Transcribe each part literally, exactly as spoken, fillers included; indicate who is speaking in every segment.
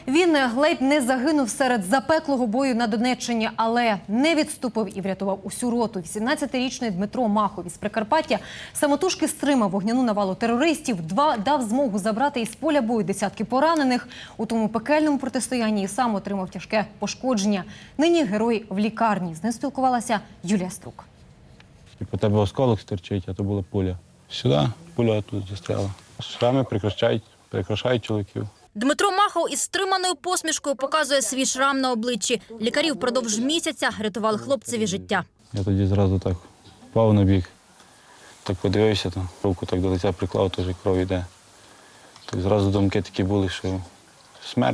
Speaker 1: Він ледь не загинув серед запеклого бою на Донеччині, але не відступив і врятував усю роту. вісімнадцятирічний Дмитро Махов із Прикарпаття самотужки стримав вогняну навалу терористів, два дав змогу забрати із поля бою десятки поранених. У тому пекельному протистоянні і сам отримав тяжке пошкодження. Нині герой в лікарні. З ним спілкувалася Юлія Струк.
Speaker 2: По тебе осколок стерчить, а то була пуля. Сюди пуля тут застряла. Шрами прикрашають, прикрашають чоловіків.
Speaker 3: Дмитро Махов із стриманою посмішкою показує свій шрам на обличчі. Лікарі впродовж місяця рятували хлопцеві життя.
Speaker 2: Я тоді зразу так впав на бік, так подивився, там, руку так до лиця приклав, теж кров йде. Так зразу думки такі були, що смерть.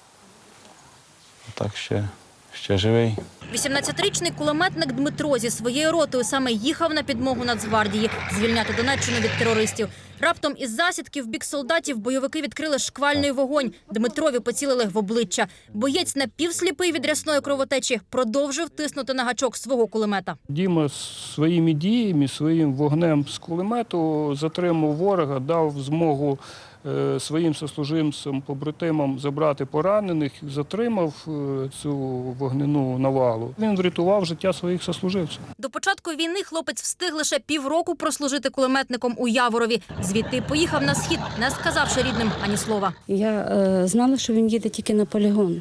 Speaker 2: А так ще, ще живий.
Speaker 3: вісімнадцятирічний кулеметник Дмитро зі своєю ротою саме їхав на підмогу Нацгвардії звільняти Донеччину від терористів. Раптом із засідки в бік солдатів бойовики відкрили шквальний вогонь. Дмитрові поцілили в обличчя. Боєць, напівсліпий від рясної кровотечі, продовжив тиснути на гачок свого кулемета.
Speaker 4: Діма своїми діями, своїм вогнем з кулемету затримав ворога, дав змогу своїм сослуживцям, побратимам забрати поранених, затримав цю вогняну навалу. Він врятував життя своїх сослуживців.
Speaker 3: До початку війни хлопець встиг лише півроку прослужити кулеметником у Яворові. Звідти поїхав на схід, не сказавши рідним ані слова.
Speaker 5: Я е, знала, що він їде тільки на полігон.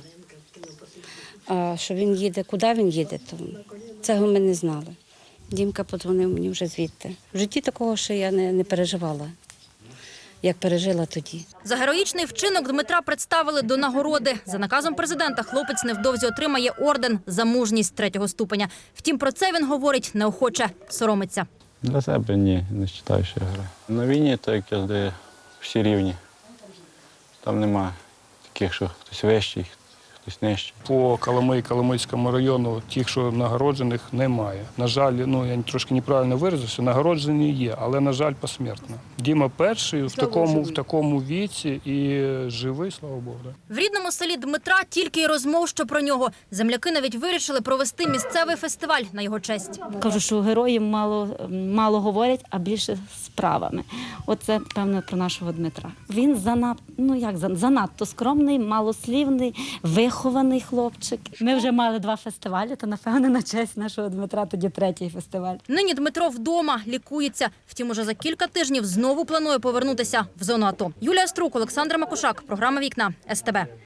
Speaker 5: А що він їде, куди він їде, то цього ми не знали. Дімка подзвонив мені вже звідти. В житті такого ще я не, не переживала, як пережила тоді.
Speaker 3: За героїчний вчинок Дмитра представили до нагороди. За наказом президента хлопець невдовзі отримає орден за мужність третього ступеня. Втім, про це він говорить неохоче, соромиться.
Speaker 2: Для себе ні, не вважаю, що я граю. На війні, так як де всі рівні. Там немає таких, що хтось вищий, хтось нижчий.
Speaker 4: По Коломиї, Коломийському району тих, що нагороджених, немає. На жаль, ну я трошки неправильно виразився, нагороджені є, але, на жаль, посмертно. Діма перший в такому, в такому віці і живий, слава Богу.
Speaker 3: В рідному селі Дмитра тільки й розмов, що про нього. Земляки навіть вирішили провести місцевий фестиваль на його честь.
Speaker 6: Кажу, що герої мало, мало говорять, а більше справами. Оце, певно, про нашого Дмитра. Він занадто, ну як, занадто скромний, малослівний, вихований хлопчик. Ми вже мали два фестивалі, то, напевно, на честь нашого Дмитра тоді третій фестиваль.
Speaker 3: Нині Дмитро вдома, лікується. Втім, уже за кілька тижнів знову планує повернутися в зону АТО. Юлія Струк, Олександр Макушак. Програма «Вікна» ес те бе.